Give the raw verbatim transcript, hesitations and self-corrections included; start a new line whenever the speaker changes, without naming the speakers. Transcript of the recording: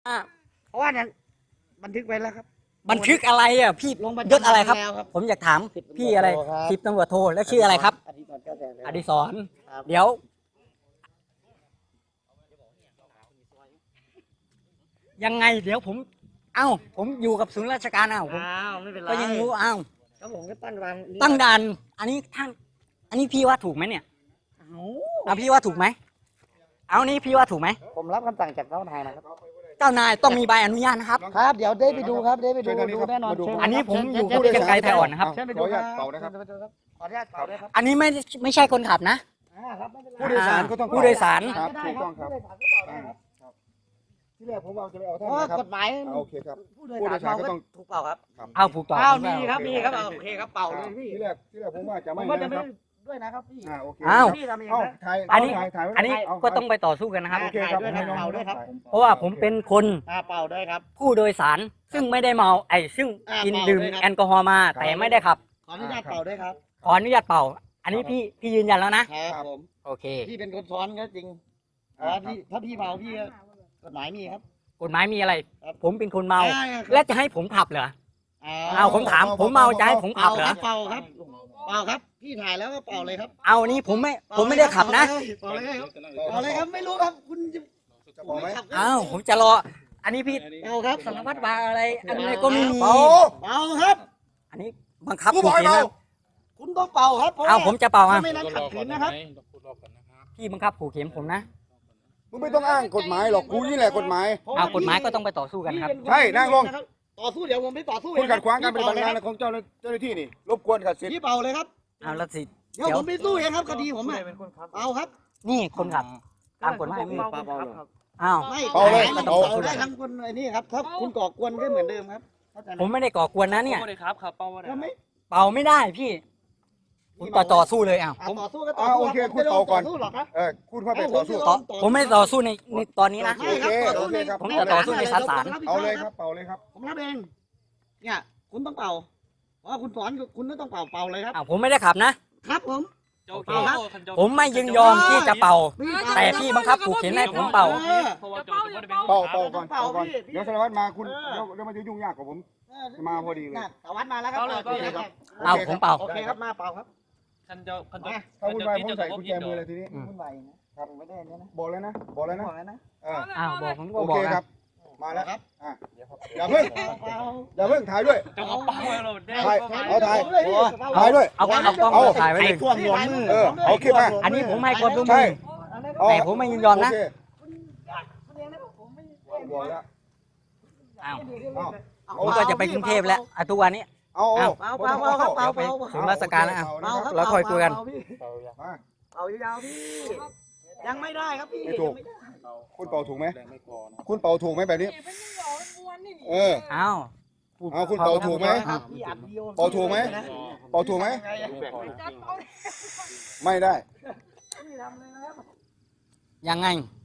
อ่า
เพราะว่านั้นบันทึกไว้แล้วครับ
บันทึกอะไรอ่ะพี่ยศอะไรครับ ผมอยากถามพี่อะไรสิบตำรวจโทแล้วชื่ออะไรครับ อดิศรเดี๋ยว ยังไงเดี๋ยวผม เอ้าผมอยู่กับศูนย์ราชการเอ้าผม
อ้าวไม่เป็นไร
ก็ยังรู้เอ้า
ครับผมก็ตั้งวัน
ตั้งด่านอันนี้ท่านอันนี้พี่ว่าถูกไหมเนี่ยเอาพี่ว่าถูกไหมเอานี่พี่ว่าถูกไหม
ผมรับคำสั่งจากเจ้านายนะครับ
เจ้านายต้องมีใบอนุญาตนะครับ
ครับเดี๋ยวได้ไปดูครับได้ไปดูดูแน่นอน
อันนี้ผมอยู่กับเชียงรายไทยอ่อนนะครับ
เชิญไปดูครับขออนุญาตเป่าด้วยครับขออนุญาตเป่าด้วยครับ
อันนี้ไม่ไม่ใช่คนขับนะ
อ่าครับไม่เป็นไร
ผู้โดยสารก็ต้อง
ผู้โดยสาร
ครับ
ได้
ถูกต้องครับ
ผู้โดยสารก็เป่าได้ครับ
ที่แรกผมเอาจะไปเอา
เพ
ท่าน
ราะว่า
นะครับ
กฎหมาย
โอเคครับ
ผู้โดยสารเมาก็ถูกเป่าครับ
เอาผูกต่อ
อ้าวมีครับมีครับโอเคครับเป่าเลยพี่
ที่แรกที่แรกผมว่าจะ
ผ
ไม่
มว่าจะ
นะ
ไม่
ครับ
ด้วยนะครับพี่
อ่าโอเค
อ้าว
พี่ทำเอง
เอ้า
นะ
ถ่าย
อันนี้
ถ่ายถ่ายไว้
อันนี้
เา
ก็ต้องไปต่อสู้กันนะครับ
โอเคครับ
ด้วยครับเป่าด้วยครับ
เพราะว่าผมเป็นคน
อ่าเป่าด้วยครับ
ผู้โดยสารซึ่งไม่ได้เมาไอ้ซึ่ง
อ่า
กิน
เมา
ดื่ม
ด้วยครับ
แอลกอฮอล์มา แต่ไม่ได้ขับ
ขออนุญาตเป่าด้วยครับ
ขออนุญาตเป่า อันนี้พี่พี่ยืนยันแล้วนะครับ
ผม
โอเค
พี่เป็นคนซ้อนก็จริงอ๋อพี่ถ้าพี่เมาพี่ก็กฎหมายมีครับ
กฎหมายมีอะไร
ครับ
ผมเป็นคนเมา
อ่ครับ
และจะให้ผมขับเหรอ
อ่า
เอาผมถาม ผมเมาจะให้ผมขั
เป่า
บเหร
ค
อ
รับเป่าครับเป่าครับ พี่ถ่ายแล้วก็เป่าเลยครับ
เอานี่ผมไม่ผมไม่ได้ขับนะ
เป่าเลยครับเป่าเลยครับไม่รู้ครับคุณจะ
จะบอกไหม
ขับ
อ้าวผมจะรอ อันนี้พี่
เป่าครับ
สารวัตรบาอะไรอันนี้ก็ไม่มี
เป่า
เป่าครับ
อันนี้บังคับ
กูบอกให้
ขู่เข็น
เป่า
นะ
คุณต้องเป่าครับพระ
เอา
ว่
ผมจะเป่าอ่ะ
ถ้ไม่นั้นขัดขืนนะครับ
พี่บังคับขู่เข็นผมนะ
มึงไม่ต้องอ้างกฎหมายหรอกกูนี่แหละกฎหมาย
เอากฎหมายก็ต้องไปต่อสู้กันครับ
พี่เป็
ใช่นั่งลง
ะครับต่อสู้เดี๋ยวผมไปต่อสู้
คุณขัดขวางการปฏิบัติ
พี่
งาน
เป่เลยค
ของเจ้าหน้าเจ้าหน้าที่นี่รบกวนขัดสิทธิ์
พี่เป่าเลยครับ
เอาละสิ
เดี๋ยวผมไปสู้เองครับคดีผมอ่ะเป่าครับ
นี่คนขับตามกฎหมายมี
เป่าเป่า
อ้าว
ไม่
เป่าเลย
ก็ต้อง
เป่า
ต่อสู้
ได้ทั้งคนไอ้นี่ครับถ้าคุณก่อกวนก็เหมือนเดิมครับเข้าใจไห
ผมไม่ได้ก่อกวนนะเนี่ย
ครับครับเป้าว่า
ถ้าไม่
เป่าไม่ได้พี่ผมต่อต่อสู้เลยอ้าว
อ่ะต่อสู้ก็ต่อ
อ่า
สู้
โอเค
รับ
คุณเป่าก่อน
ไม่ได้ต่อสู้หรอกครับ
เออคุณเข้าไปต่อสู้
ต่อผมไม่ต่อสู้ในในตอนนี้นะ
ไม่ครับต่อสู้ใน
โอเคครับ
ผมจะต่อสู้ในศาลศาล
เอาเลยครับเป่าเลยครับ
ผมรับเองเนี่ยคุณต้องเป่าเพราะว่าคุณสอนคุณต้องเป่าเป่าเลยครับ
อ้าวผมไม่ได้ขับนะ
ครับผม
โอเค
ผมไม่ยินยอมที่จะเป่า แต่พี่บังคับขู่เข็นให้ผมเป่า
ออ
เพราะว่าโจทย์จะเป็น
เป่าเป่าก่อน
เป่า
เป่าก่อน
พี่
เดี๋ยวสารวัตรมาคุณ
เออ
เดี๋ยวเดี๋ยวมันจะยุ่งยากกว่าผม
เออ
มาพอดีเลย
น่ะสารวัตรมาแล้วครับ
เป่าเลย
โอเคครับ
เอาผมเป่า
โอเคครับมาเป่าครับ
คันเจ้าคันเจ้า
ถ้าวุ่นวายผมใส่กุญแจมือเลยทีนี้
อืม
วุ่นวายนะครับผมไม่ได้เนี่ยนะ
บอกเลยนะ บอกเลยนะ
บอกแล้วนะ
เออ
อ้าวบอกผมก็
โอบ
อ
เค
ก
ครั
นะ
บ มาแล้ว
ครับ
อ่ะอย่าเพิ่ง
เป่า
อย่าเพิ่งถ่ายด้วย
เจ้าของเป้าเราได้
ถ่าย
เป้า
เอาถ่าย
เลยพี่
ถ่ายด้วย
เอาเอากล้อง
เอา
มาถ่ายไว้เลย
ท่วมหัวมือ
เออเอาคลิปมา
อันนี้ผมให้ความร่วม
ใช่
มือ แต่ผมไม่ยินยอมนะ
โเค
คุณเองนะผมไม่
บอกแล้ว
อ้าว
เอา
ผมก็จะไปกรุงเทพแล้วอ่ะทุกวันนี้
เอาเอา
เป่าเป่าเป่าครับเป่าเป่า
ถึงราชการแล้วอ่ะ
เป่าครับ
แล้วค่อยคุยกัน
เป่าพี่
มา
เป่ายาวๆพี่ยังไม่ได้ครับพี่
ไม่ถูก
ยังไม่ได้
คุณเป่าถูกไหมคุณเป่าถูกไหมแบบนี้ เออ
อ้าว
เอาคุณเป่าถูกไหม
ครับพี่อัดวิดีโอ
เป่าถูกไหม เป่าถูกไหมไม่ได้
ไม่ทำเลยนะครับ
ยังไง